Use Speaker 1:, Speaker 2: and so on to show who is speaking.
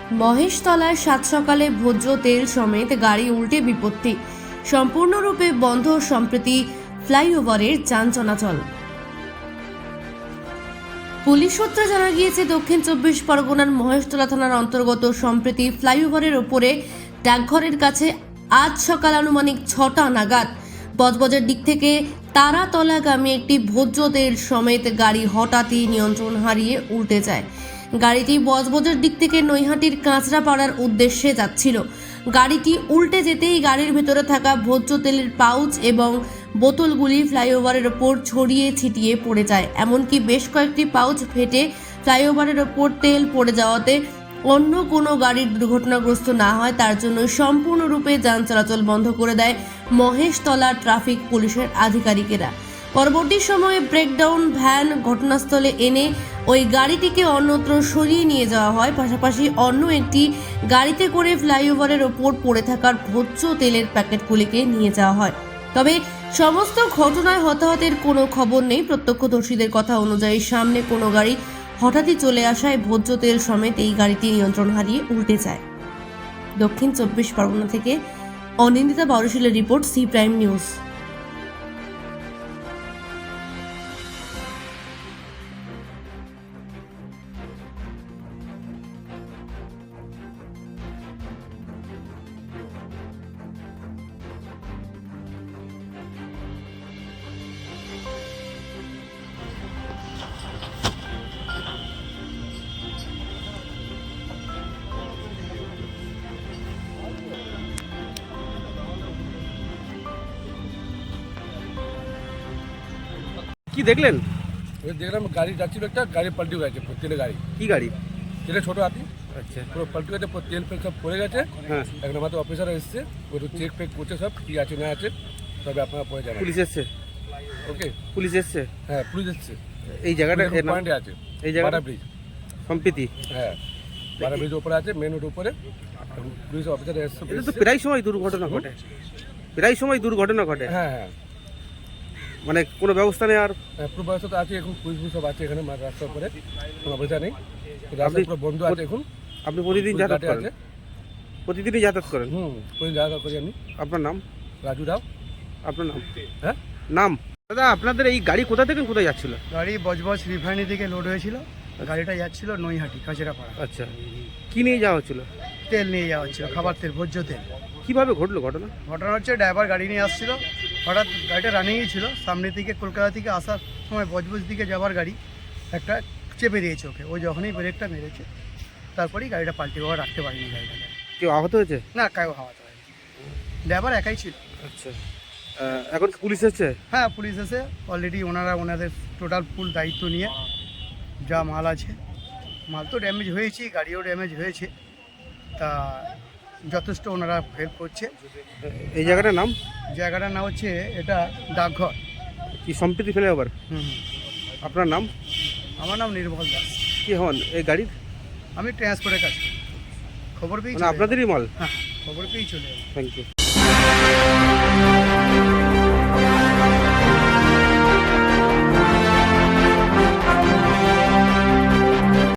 Speaker 1: মহেশতলায় সাত সকালে ভোজ্য তেল সমেত গাড়ি উল্টে বিপত্তি, সম্পূর্ণরূপে বন্ধ সম্প্রতি ফ্লাইওভারের যান চলাচল। পুলিশ সূত্রে জানা গিয়েছে, দক্ষিণ 24 পরগনার মহেশতলা থানার অন্তর্গত সম্প্রতি ফ্লাইওভারের ওপরে ডাকঘরের কাছে আজ সকাল আনুমানিক 6টা নাগাদ বজবজের দিক থেকে তারাতলাগামী একটি ভোজ্য তেল সমেত গাড়ি হঠাৎই নিয়ন্ত্রণ হারিয়ে উল্টে যায়। গাড়িটি বজবজের দিক থেকে নৈহাটির কাঁচরাপাড়ার উদ্দেশ্যে যাচ্ছিল। গাড়িটি উল্টে যেতেই গাড়ির ভেতরে থাকা ভোজ্য তেলের পাউচ এবং বোতলগুলি ফ্লাইওভারের ওপর ছড়িয়ে ছিটিয়ে পড়ে যায়। এমনকি বেশ কয়েকটি পাউচ ফেটে ফ্লাইওভারের ওপর তেল পড়ে যাওয়াতে অন্য কোনো গাড়ির দুর্ঘটনাগ্রস্ত না হয় তার জন্য সম্পূর্ণরূপে যান চলাচল বন্ধ করে দেয় মহেশতলা ট্রাফিক পুলিশের আধিকারিকেরা। পরবর্তী সময়ে ব্রেকডাউন ভ্যান ঘটনাস্থলে এনে ওই গাড়িটিকে অন্যত্র সরিয়ে নিয়ে যাওয়া হয়। পাশাপাশি অন্য একটি গাড়িতে করে ফ্লাইওভারের ওপর পড়ে থাকার ভোজ্য তেলের প্যাকেটগুলিকে নিয়ে যাওয়া হয়। তবে সমস্ত ঘটনায় হতাহতের কোনো খবর নেই। প্রত্যক্ষদর্শীদের কথা অনুযায়ী সামনে কোনো গাড়ি হঠাৎই চলে আসায় ভোজ্য তেল সমেত এই গাড়িটি নিয়ন্ত্রণ হারিয়ে উল্টে যায়। দক্ষিণ 24 পরগনা থেকে অনিন্দিতা বড়শিলের রিপোর্ট, সি প্রাইম নিউজ।
Speaker 2: কি দেখলেন?
Speaker 3: দেখলাম গাড়ি যাচ্ছিল, একটা গাড়ি পাল্টি গেছে, তেলের গাড়ি।
Speaker 2: কি গাড়ি?
Speaker 3: তেলের ছোটো হাতি,
Speaker 2: আচ্ছা,
Speaker 3: পুরো পাল্টি গেছে, তেল ফেল সব পড়ে গেছে।
Speaker 2: হ্যাঁ,
Speaker 3: এখন আমাদের অফিসার এসছে, ও তো চেক ফেক করছে সব, কী আছে না আছে, তবে আপনারা পরে যাবেন।
Speaker 2: পুলিশ এসছে?
Speaker 3: ওকে,
Speaker 2: পুলিশ এসছে?
Speaker 3: হ্যাঁ পুলিশ এসছে।
Speaker 2: এই জায়গাটা
Speaker 3: পয়েন্টে আছে,
Speaker 2: এই জায়গা
Speaker 3: বাটা ব্রিজ
Speaker 2: সম্প্রীতি?
Speaker 3: হ্যাঁ, বাটা ব্রিজ উপরে আছে, মেন রোড উপরে। পুলিশ অফিসার এসছে।
Speaker 2: এটা তো প্রায় সময় দুর্ঘটনা ঘটে, প্রায় সময় দুর্ঘটনা ঘটে।
Speaker 3: হ্যাঁ হ্যাঁ,
Speaker 2: মানে কোনো ব্যবস্থা নেই? আর
Speaker 3: পুরো ব্যবস্থা তো আছে, এখন পুলিশ সব আছে এখানে রাস্তার উপরে, কোনো অবস্থা নেই, রাস্তা পুরো বন্ধ আছে এখন।
Speaker 2: আপনি প্রতিদিন যাতায়াত করেন?
Speaker 3: আছে,
Speaker 2: প্রতিদিনই যাতায়াত করেন?
Speaker 3: প্রতিদিন যাতায়াত করি আমি।
Speaker 2: আপনার নাম?
Speaker 3: রাজু রাও।
Speaker 2: আপনার নাম?
Speaker 3: হ্যাঁ,
Speaker 2: নাম? দাদা, আপনাদের এই গাড়ি কোথা থেকে কোথায় যাচ্ছিল?
Speaker 4: গাড়ি বজবজ রিফাইনারি থেকে লোড হয়েছিল, গাড়িটা যাচ্ছিল নৈহাটি কাঁচরাপাড়া।
Speaker 2: আচ্ছা, কি নিয়ে যাওয়া হচ্ছিল?
Speaker 4: তেল নিয়ে যাওয়া হচ্ছিল, খাবার তেল, ভোজ্য তেল।
Speaker 2: কিভাবে ঘটলো ঘটনা?
Speaker 4: ঘটনা হচ্ছে, ড্রাইভার গাড়ি নিয়ে আসছিল, হঠাৎ গাড়িটা রানিংই ছিল, সামনে থেকে কলকাতা থেকে আসার সময় বজবজ দিকে যাওয়ার গাড়ি একটা চেপে দিয়েছে ওকে। ও যখনই ব্রেকটা মেরেছে তারপরেই গাড়িটা পাল্টে বাবা রাখতে পারিনি গাড়িটাকে।
Speaker 2: কেউ আহত হয়েছে?
Speaker 4: না, কাউ হাওয়াতে হয়নি, ড্রাইভার একাই ছিল।
Speaker 2: আচ্ছা, এখন কি পুলিশ এসছে?
Speaker 4: হ্যাঁ, পুলিশ এসে অলরেডি ওনাদের টোটাল ফুল দায়িত্ব নিয়ে যা মাল আছে, মাল তো ড্যামেজ হয়েছে, গাড়িও ড্যামেজ হয়েছে, তা যথেষ্ট ওনারা হেল্প করছে।
Speaker 2: এই জায়গাটার নাম?
Speaker 4: জায়গাটার নাম হচ্ছে এটা ডাকঘর।
Speaker 2: কি সম্প্রীতি ফ্লাইওভার?
Speaker 4: হুম,
Speaker 2: আপনার নাম?
Speaker 4: আমার নাম নির্মল দাস।
Speaker 2: কি হন এই গাড়ির?
Speaker 4: আমি ট্রান্সপোর্টের কাজ করি। খবর পেয়েছি,
Speaker 2: মানে আপনাদেরই মাল?
Speaker 4: হ্যাঁ, খবর পেয়েই চলে এলাম।
Speaker 2: Thank you.